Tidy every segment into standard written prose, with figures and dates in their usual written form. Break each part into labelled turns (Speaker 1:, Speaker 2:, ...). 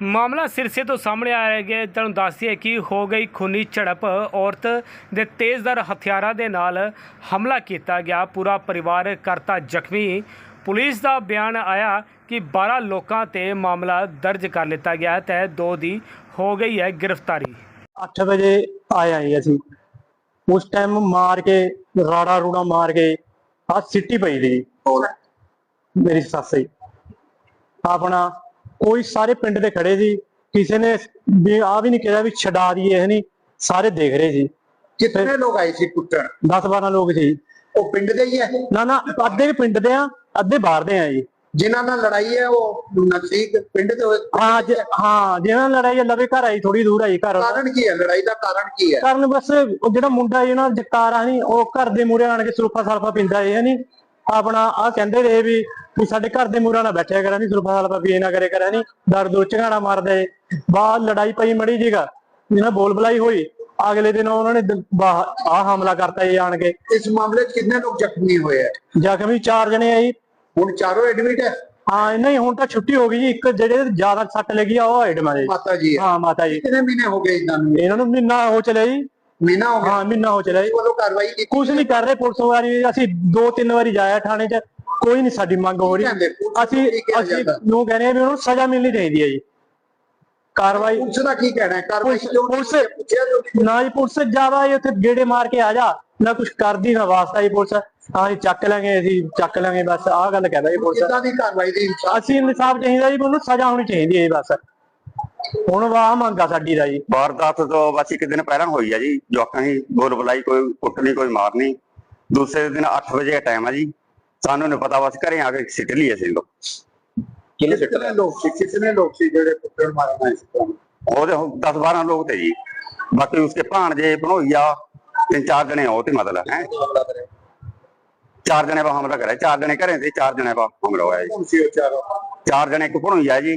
Speaker 1: ਮਾਮਲਾ ਸਿਰਸੇ ਤੋਂ ਸਾਹਮਣੇ ਆ ਰਿਹਾ ਹੈ। ਤੁਹਾਨੂੰ ਦੱਸ ਦਈਏ ਕਿ ਹੋ ਗਈ ਖੂਨੀ ਝੜਪ, ਔਰਤ ਦੇ ਤੇਜ਼ਧਾਰ ਹਥਿਆਰਾਂ ਦੇ ਨਾਲ ਹਮਲਾ ਕੀਤਾ ਗਿਆ, ਪੂਰਾ ਪਰਿਵਾਰ ਕਰਤਾ ਜ਼ਖਮੀ। ਪੁਲਿਸ ਦਾ ਬਿਆਨ ਆਇਆ ਕਿ 12 ਲੋਕਾਂ ਤੇ ਮਾਮਲਾ ਦਰਜ ਕਰ ਲਿੱਤਾ ਗਿਆ ਤੇ 2 ਦੀ ਹੋ ਗਈ ਹੈ गिरफ्तारी।
Speaker 2: 8 ਵਜੇ ਆਇਆ ਜੀ ਅਸੀਂ, ਉਸ ਟਾਈਮ ਮਾਰ ਕੇ ਰਾੜਾ ਰੂੜਾ ਮਾਰ ਕੇ ਆ ਸਿੱਟੀ ਪਈ ਦੀ ਮੇਰੀ ਸੱਸ ਹੀ ਆਪਣਾ। ਕੋਈ ਸਾਰੇ ਪਿੰਡ ਦੇ ਖੜੇ ਸੀ, ਕਿਸੇ ਨੇ ਵੀ ਆ ਵੀ ਨਹੀਂ ਕਿਹਾ ਵੀ ਛਡਾ ਦਈਏ, ਹੈ ਨਹੀਂ, ਸਾਰੇ ਦੇਖ ਰਹੇ ਸੀ।
Speaker 3: कितने लोग आए थे कुट्टन?
Speaker 2: 10-12 ਲੋਕ ਸੀ।
Speaker 3: वो पिंड दे ही है?
Speaker 2: ਨਾ ਅੱਧੇ ਵੀ ਪਿੰਡ ਦੇ ਆ, ਅੱਧੇ ਬਾਹਰ ਦੇ ਆ ਜੀ।
Speaker 3: जिन्हों नाल लड़ाई है वो नजदीक पिंड दे
Speaker 2: हाँ ਜਿਹਨਾਂ ਨਾਲ ਲੜਾਈ ਲਵੇ ਘਰ ਆਈ, ਥੋੜੀ ਦੂਰ ਆਈ ਘਰ।
Speaker 3: कारण की है लड़ाई का? कारण की है?
Speaker 2: ਕਾਰਨ ਬਸ ਉਹ ਜਿਹੜਾ ਮੁੰਡਾ ਜਿਹੜਾ ਜਗਤਾਰ ਆ ਨਹੀਂ, ਉਹ ਘਰ ਦੇ ਮੂਹਰੇ ਆਣ ਕੇ ਸੁਲਫਾ ਸਲਫਾ ਪੀਂਦਾ ਹੈ ਨਹੀਂ ਆਪਣਾ। ਆ ਕਹਿੰਦੇ ਰਹੇ ਵੀ ਸਾਡੇ ਘਰ ਦੇ ਮੂਹਰੇ ਨਾ ਬੈਠਿਆ ਕਰਾਂ, ਨਹੀਂ ਸੁਲਫਾ ਸਲਫਾ ਪੀਏ ਨਾ ਕਰੇ ਕਰਾਂ, ਨਹੀਂ ਦਰ ਦੋ ਝਗਾੜਾ ਮਾਰਦਾ ਏ। ਬਾਹਰ ਲੜਾਈ ਪਈ ਮੜੀ ਜੀਗਾ, ਜਿਹਨਾਂ ਬੋਲ ਬੁਲਾਈ ਹੋਈ, ਅਗਲੇ ਦਿਨ ਉਹਨਾਂ ਨੇ ਆ ਹਮਲਾ ਕਰਤਾ ਜੀ ਆਣ ਕੇ।
Speaker 3: इस मामले च कितने लोग जख्मी हुए हैं?
Speaker 2: ਜ਼ਖਮੀ 4 ਜਣੇ ਆ ਜੀ।
Speaker 3: हुण चारों एडमिट है?
Speaker 2: ਹਾਂ ਨਹੀਂ, ਹੁਣ ਤਾਂ ਛੁੱਟੀ ਹੋ ਗਈ ਜੀ। ਇੱਕ ਜਿਹੜੇ ਜ਼ਿਆਦਾ ਸੱਟ ਲੱਗੀ ਆ ਉਹ ਐਡਮ ਆ ਜੀ।
Speaker 3: माता जी है?
Speaker 2: ਹਾਂ ਮਾਤਾ ਜੀ।
Speaker 3: कितने महीने हो गए इन्होंने?
Speaker 2: ਇਹਨਾਂ ਨੂੰ ਮਹੀਨਾ ਹੋ ਚਲਿਆ ਜੀ।
Speaker 3: महीना हो गया?
Speaker 2: ਹਾਂ ਮਹੀਨਾ ਹੋ ਚਲਿਆ ਜੀ।
Speaker 3: वालों कार्रवाई की?
Speaker 2: ਕੁਛ ਨਹੀਂ ਕਰ ਰਹੇ ਪੁਲਿਸ ਵਾਲੀ। ਅਸੀਂ 2-3 ਵਾਰੀ ਜਾਇਆ ਥਾਣੇ 'ਚ, ਕੋਈ ਨਹੀਂ ਸਾਡੀ ਮੰਗ ਹੋ ਰਹੀ। ਅਸੀਂ ਨੂੰ ਕਹਿੰਦੇ ਆ ਵੀ ਉਹਨੂੰ ਸਜ਼ਾ ਮਿਲਣੀ ਚਾਹੀਦੀ ਹੈ ਜੀ। ਕਾਰਵਾਈ
Speaker 3: पुलिस का की कहना है? कार्रवाई क्यों नहीं
Speaker 2: पुलिस-
Speaker 3: हुई है? पूछा जो
Speaker 2: ਨਾ ਜੀ, ਪੁਲਿਸ ਜ਼ਿਆਦਾ ਹੀ ਉੱਥੇ ਗੇੜੇ ਮਾਰ ਕੇ ਆ ਜਾ, ਨਾ ਕੁਛ ਕਰਦੀ ਨਾ ਵਾਸਤਾ ਜੀ ਪੁਲਿਸ। ਹਾਂ ਜੀ ਚੱਕ ਲਾਂਗੇ, ਅਸੀਂ ਚੱਕ ਲਾਂਗੇ, ਬਸ ਆਹ ਗੱਲ ਕਹਿੰਦਾ ਜੀ ਪੁਲਿਸ।
Speaker 3: कितना दी कार्रवाई दी? इंसाफ
Speaker 2: ਅਸੀਂ ਇਨਸਾਫ ਚਾਹੀਦਾ ਜੀ, ਉਹਨੂੰ ਸਜ਼ਾ ਹੋਣੀ ਚਾਹੀਦੀ ਹੈ ਜੀ ਬਸ। ਹੁਣ ਵਾਹ ਮੰਗਾ ਸਾਡੀ ਦਾ ਜੀ।
Speaker 4: वारदात तो बस एक दिन पहला हुई है जी। जवाकां की बोल बुलाई, कोई कुटनी कोई मारनी। दूसरे दिन 8 बजे का टाइम है जी, सानू नहीं पता, बस घरें आके सिट लिए सी लोग।
Speaker 3: कितने लोग थे? कितने लोग थे जेड़े कुट्टन मारना है?
Speaker 4: 10-12 लोग थे जी। बाकी उसके भाणजे भनोइया 3-4 जने हो थे, मतलब है 4 जने पर हमला करे। 4 जने घरें थे, 4 जने पर हमला हुआ है जी।
Speaker 3: कौन सी हो चारों?
Speaker 4: 4 जने, एक भनोइया जी,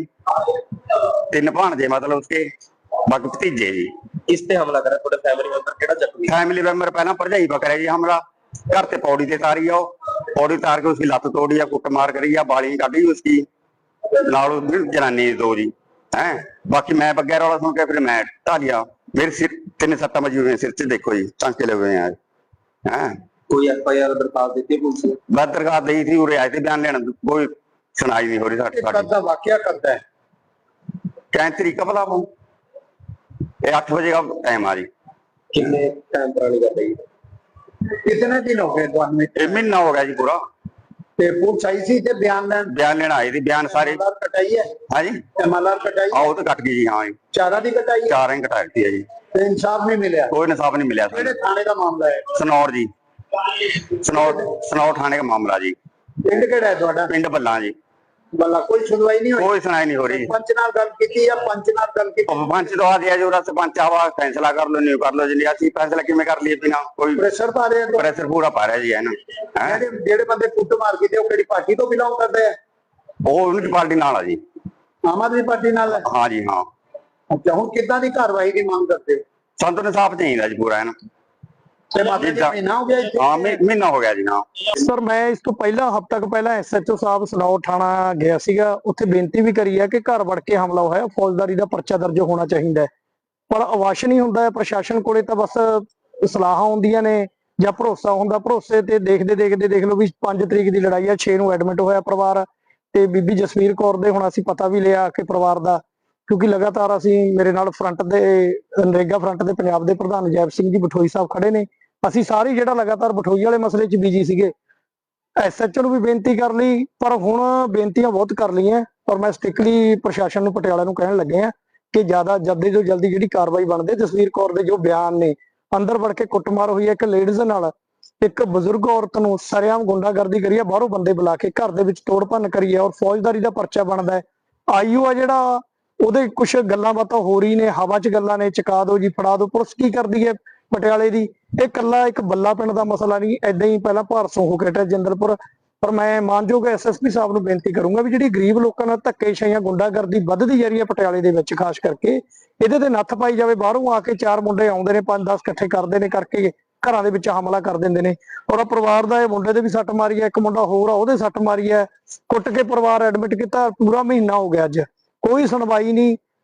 Speaker 4: 3 भाणजे मतलब उसके, बाकी भतीजे जी।
Speaker 5: किस पे हमला करा? थोड़े फैमिली मेंबर केड़ा जख्मी?
Speaker 4: फैमिली मेंबर पहला भरजाई पर करे जी हमला। घर से पौड़ी से तारी है, पौड़ी तार के उसकी लत्त तोड़ी है, कुट मार करी है, बाली काटी उसकी नाल जनानी 2 जी है। बाकी मैं बगैर वाला सुन के फिर मैं ढा लिया। मेरे सिर 3 सट्टा बजी हुई है सिर से, देखो जी टांके लगे हुए हैं।
Speaker 5: कोई एफआईआर दरखास्त देती है पुलिस ने?
Speaker 4: मैं दरखास्त दी थी, उरे आए थे बयान लेना, कोई सुनाई नहीं हो रही साडी।
Speaker 3: करता वाकया करता है?
Speaker 4: क्या तरीका भला वो? 8 बजे का टाइम आ जी।
Speaker 5: कितने टाइम पुरानी कर रही है?
Speaker 3: कितने दिन हो गए ਤੁਹਾਨੂੰ?
Speaker 4: एक महीना हो गया जी पूरा।
Speaker 3: ਤੇ ਪੁਲਿਸ ਆਈ ਸੀ ਤੇ ਬਿਆਨ ਲੈਣ?
Speaker 4: बयान लेना आई थी, बयान सारे।
Speaker 3: एमएलआर कटाई है?
Speaker 4: हाँ जी,
Speaker 3: एमएलआर कटाई है?
Speaker 4: आओ तो कट गई जी। हाँ जी,
Speaker 3: चारा ਦੀ कटाई है?
Speaker 4: 4 ही कटा दी है जी।
Speaker 3: ਤੇ ਇਨਸਾਫ ਨਹੀਂ ਮਿਲਿਆ?
Speaker 4: कोई इंसाफ नहीं मिला।
Speaker 3: ਕਿਹੜੇ ਥਾਣੇ ਦਾ ਮਾਮਲਾ ਹੈ?
Speaker 4: सनौर जी, सनौर थाने का मामला जी।
Speaker 3: ਪਿੰਡ ਕਿਹੜਾ ਹੈ ਤੁਹਾਡਾ?
Speaker 4: पिंड बल्ला जी।
Speaker 3: ਬੱਲਾ ਕੋਈ ਸੁਣਵਾਈ ਨਹੀਂ ਹੋਈ?
Speaker 4: कोई सुनाई नहीं हो रही।
Speaker 3: ਪੰਚ ਨਾਲ ਗੱਲ ਕੀਤੀ ਜਾਂ ਪੰਚ ਨਾਲ ਗੱਲ ਕੀਤੀ?
Speaker 4: पंच तो आ गया जो सरपंच आवा, फैसला कर लो, नहीं कर लो जी। असं फैसला किमें कर लिए बिना कोई
Speaker 3: ਪ੍ਰੈਸ਼ਰ ਪਾ ਰਹੇ ਹੋ?
Speaker 4: प्रेशर पूरा पा रहा जी है ना।
Speaker 3: ਜਿਹੜੇ ਬੰਦੇ ਕੁੱਟ ਮਾਰ ਕੀਤੇ ਉਹ ਕਿਹੜੀ ਪਾਰਟੀ ਤੋਂ ਬਿਲੋਂਗ ਕਰਦੇ ਆ?
Speaker 4: वो उनकी पार्टी नाल है जी।
Speaker 3: ਆਮ ਆਦਮੀ ਪਾਰਟੀ ਨਾਲ ਹੈ?
Speaker 4: हाँ जी हाँ।
Speaker 3: ਅੱਛਾ, ਹੁਣ ਕਿੱਦਾਂ ਦੀ ਕਾਰਵਾਈ ਦੀ ਮੰਗ ਕਰਦੇ ਹੋ?
Speaker 4: संत ने साफ चाहिए जी पूरा है ना।
Speaker 3: ਤੇ ਮਾਤਾ ਜੀ ਮਹੀਨਾ ਹੋ ਗਿਆ ਇੱਥੇ?
Speaker 4: हाँ महीना हो गया जी। हाँ
Speaker 2: ਸਰ ਮੈਂ ਇਸ ਤੋਂ ਪਹਿਲਾਂ ਹਫ਼ਤਾ ਕੁ ਪਹਿਲਾਂ ਐਸਐਚਓ ਸਾਹਿਬ ਸਨੌਰ ਥਾਣਾ ਗਿਆ ਸੀਗਾ, ਉੱਥੇ ਬੇਨਤੀ ਵੀ ਕਰੀ ਹੈ ਕਿ ਘਰ ਵੜ ਕੇ ਹਮਲਾ ਹੋਇਆ, ਫੌਜਦਾਰੀ ਦਾ ਪਰਚਾ ਦਰਜ ਹੋਣਾ ਚਾਹੀਦਾ ਹੈ। ਪਰ ਅਵਾਸ਼ ਨਹੀਂ ਹੁੰਦਾ ਹੈ ਪ੍ਰਸ਼ਾਸਨ ਕੋਲੇ, ਤਾਂ ਬਸ ਸਲਾਹਾਂ ਹੁੰਦੀਆਂ ਨੇ ਜਾਂ ਭਰੋਸਾ ਹੁੰਦਾ। ਭਰੋਸੇ ਤੇ ਦੇਖਦੇ ਦੇਖ ਲਓ ਵੀ 5 ਤਰੀਕ ਦੀ ਲੜਾਈ ਆ, 6 ਨੂੰ ਐਡਮਿਟ ਹੋਇਆ ਪਰਿਵਾਰ। ਤੇ ਬੀਬੀ ਜਸਵੀਰ ਕੌਰ ਦੇ ਹੁਣ ਅਸੀਂ ਪਤਾ ਵੀ ਲਿਆ ਕਿ ਪਰਿਵਾਰ ਦਾ, ਕਿਉਂਕਿ ਲਗਾਤਾਰ ਅਸੀਂ ਮੇਰੇ ਨਾਲ ਫਰੰਟ ਦੇ ਨਰੇਗਾ ਫਰੰਟ ਦੇ ਪੰਜਾਬ ਦੇ ਪ੍ਰਧਾਨ ਜੈਪ ਸਿੰਘ ਜੀ ਬਠੋਈ ਸਾਹਿਬ ਖੜੇ ਨੇ, ਅਸੀਂ ਸਾਰੇ ਜਿਹੜਾ ਲਗਾਤਾਰ ਬਠੋਈ ਵਾਲੇ ਮਸਲੇ 'ਚ ਬਿਜੀ ਸੀਗੇ। ਐਸਐਚਓ ਨੂੰ ਵੀ ਬੇਨਤੀ ਕਰ ਲਈ, ਪਰ ਹੁਣ ਬੇਨਤੀਆਂ ਬਹੁਤ ਕਰ ਲਈਆਂ, ਪਰ ਮੈਂ ਸਟ੍ਰਿਕਟਲੀ ਪ੍ਰਸ਼ਾਸਨ ਨੂੰ ਪਟਿਆਲਾ ਨੂੰ ਕਹਿਣ ਲੱਗੇ ਆ ਕਿ ਜ਼ਿਆਦਾ ਜਲਦੀ ਤੋਂ ਜਲਦੀ ਜਿਹੜੀ ਕਾਰਵਾਈ ਬਣਦੇ। ਜਸਵੀਰ ਕੌਰ ਦੇ ਜੋ ਬਿਆਨ ਨੇ, ਅੰਦਰ ਵੜ ਕੇ ਕੁੱਟਮਾਰ ਹੋਈ ਹੈ ਇੱਕ ਲੇਡੀਜ਼ ਨਾਲ, ਇੱਕ ਬਜ਼ੁਰਗ ਔਰਤ ਨੂੰ ਸਰੇਆਮ ਗੁੰਡਾਗਰਦੀ ਕਰੀ ਹੈ, ਬਾਹਰੋਂ ਬੰਦੇ ਬੁਲਾ ਕੇ ਘਰ ਦੇ ਵਿੱਚ ਤੋੜ ਭੰਨ ਕਰੀ ਹੈ, ਔਰ ਫੌਜਦਾਰੀ ਦਾ ਪਰਚਾ ਬਣਦਾ ਹੈ। ਆਈਓ ਆ ਜਿਹੜਾ, ਉਹਦੇ ਕੁਝ ਗੱਲਾਂ ਬਾਤਾਂ ਹੋ ਰਹੀ ਨੇ, ਹਵਾ 'ਚ ਗੱਲਾਂ ਨੇ, ਚੁਕਾ ਦਿਓ ਜੀ, ਫੜਾ ਦਿਓ। ਪੁਲਿਸ ਕੀ ਕਰਦੀ ਹੈ ਪਟਿਆਲੇ ਦੀ? ਇਹ ਕੱਲਾ ਇੱਕ ਬੱਲਾ ਪਿੰਡ ਦਾ ਮਸਲਾ ਨਹੀਂ, ਏਦਾਂ ਹੀ ਪਹਿਲਾਂ ਭਾਰਸੋਂ ਹੋ ਕੇ ਹਟਿਆ ਜਿੰਦਰਪੁਰ। ਪਰ ਮੈਂ ਮਾਨਯੋਗ ਐਸਐਸਪੀ ਸਾਹਿਬ ਨੂੰ ਬੇਨਤੀ ਕਰੂੰਗਾ ਵੀ ਜਿਹੜੀ ਗਰੀਬ ਲੋਕਾਂ ਨਾਲ ਧੱਕੇਸ਼ਾਹੀਆਂ ਗੁੰਡਾਗਰਦੀ ਵੱਧਦੀ ਜਾ ਰਹੀ ਹੈ ਪਟਿਆਲੇ ਦੇ ਵਿੱਚ, ਖਾਸ ਕਰਕੇ ਇਹਦੇ ਤੇ ਨੱਥ ਪਾਈ ਜਾਵੇ। ਬਾਹਰੋਂ ਆ ਕੇ 4 ਮੁੰਡੇ ਆਉਂਦੇ ਨੇ, 5-10 ਇਕੱਠੇ ਕਰਦੇ ਨੇ, ਕਰਕੇ ਘਰਾਂ ਦੇ ਵਿੱਚ ਹਮਲਾ ਕਰ ਦਿੰਦੇ ਨੇ। ਔਰ ਪਰਿਵਾਰ ਦਾ ਇਹ ਮੁੰਡੇ ਦੇ ਵੀ ਸੱਟ ਮਾਰੀ ਹੈ, ਇੱਕ ਮੁੰਡਾ ਹੋਰ ਆ ਉਹਦੇ ਸੱਟ ਮਾਰੀ ਹੈ, ਕੁੱਟ ਕੇ ਪਰਿਵਾਰ ਐਡਮਿਟ ਕੀਤਾ। ਪੂਰਾ ਮਹੀਨਾ ਹੋ ਗਿਆ, ਅੱਜ ਕੋਈ ਸੁਣਵਾਈ ਨਹੀਂ।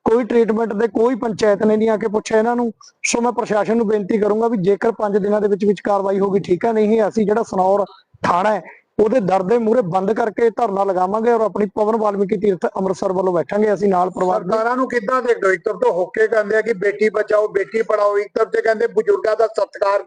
Speaker 2: ਕੋਈ ਟ੍ਰੀਟਮੈਂਟ ਦੇ ਕੋਈ ਪੰਚਾਇਤ ਨੇ ਨਹੀਂ ਆ ਕੇ ਪੁੱਛਿਆ ਇਹਨਾਂ ਨੂੰ। ਸੋ ਮੈਂ ਪ੍ਰਸ਼ਾਸਨ ਨੂੰ ਬੇਨਤੀ ਕਰੂੰਗਾ ਵੀ ਜੇਕਰ 5 ਦਿਨਾਂ ਦੇ ਵਿੱਚ ਕਾਰਵਾਈ ਹੋਗੀ ਠੀਕ ਹੈ, ਨਹੀਂ ਅਸੀਂ ਜਿਹੜਾ ਸਨੌਰ ਥਾਣਾ ਹੈ ਉਹਦੇ ਦਰ ਦੇ ਮੂਹਰੇ ਬੰਦ ਕਰਕੇ ਧਰਨਾ ਲਗਾਵਾਂਗੇ ਔਰ ਆਪਣੀ ਪਵਨ ਵਾਲਮੀਕੀ ਤੀਰਥ ਅੰਮ੍ਰਿਤਸਰ ਵੱਲੋਂ ਬੈਠਾਂਗੇ ਅਸੀਂ ਨਾਲ ਪਰਿਵਾਰ ਦੇ।
Speaker 3: ਸਰਕਾਰਾਂ ਨੂੰ ਕਿੱਦਾਂ ਦੇਖਦੇ ਹੋ? ਇੱਕ ਤਰਫ ਤੋਂ ਹੋਕੇ ਕਹਿੰਦੇ ਆ ਕਿ ਬੇਟੀ ਬਚਾਓ ਬੇਟੀ ਪੜਾਓ, ਇੱਕ ਤਰਫ ਤੇ ਕਹਿੰਦੇ ਬਜ਼ੁਰਗਾਂ ਦਾ ਸਤਿਕਾਰ